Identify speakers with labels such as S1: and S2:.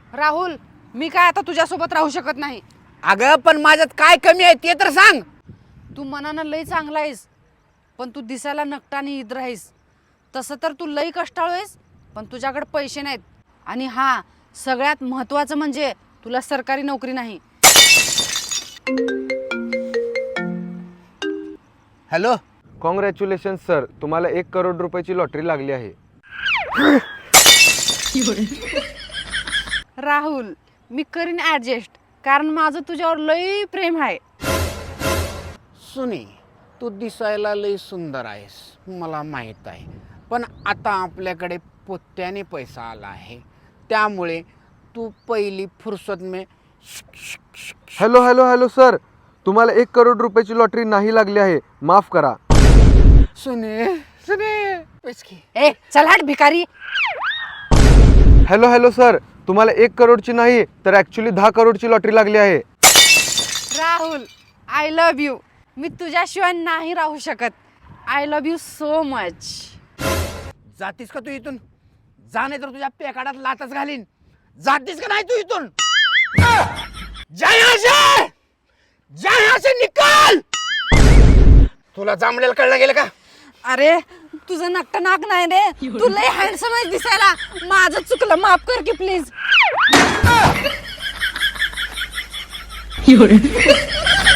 S1: राहुल, मी काय आता तुझ्यासोबत राहू शकत नाही.
S2: अगं पण माझ्यात काय कमी आहे ते तर सांग.
S1: तू मनानं लई चांगला आहेस, पण तू दिसायला नकटा आणि इद्र आहेस. तसं तर तू लई कष्टाळू आहेस, पण तुझ्याकडे पैसे नाहीत. आणि हा, सगळ्यात महत्त्वाचं म्हणजे तुला सरकारी नोकरी नाही.
S2: हॅलो.
S3: कॉंग्रॅच्युलेशन सर, तुम्हाला 1 करोड रुपयाची लॉटरी लागली आहे.
S1: राहुल, मी करीन ॲडजस्ट, कारण माझं तुझ्यावर लई प्रेम आहे.
S2: सुनी, तू दिसायला लई सुंदर आहेस, मला माहीत आहे. पण आता आपल्याकडे पोत्याने पैसा आला आहे, त्यामुळे तू पहिली फुरसत में.
S3: हॅलो हॅलो हॅलो सर, तुम्हाला 1 करोड रुपयाची लॉटरी नाही लागली आहे, माफ करा.
S2: सुने सुने पैसे.
S1: ए चल हट भिकारी.
S3: हॅलो हॅलो सर, तुम्हाला 1 करोडची नाही तर ॲक्च्युली 10 करोडची लॉटरी लागली आहे.
S1: Rahul, I love you. मी तुझ्याशिवाय नाही राहू शकत. I love you so much.
S2: जातीस का तू इथून? जा, नाही तर तुझ्या पेकाडात लातच घालीन. जातीस का नाही तू इथून? जा यहाँ से! जा यहाँ से, निकाल! तुला जांभळेला कळलं गेलं का?
S1: अरे तुझं नक्क नाक नाही रे, तू लय हँडसम आहेस दिसायला. माझं चुकलं, माफ कर की प्लीज.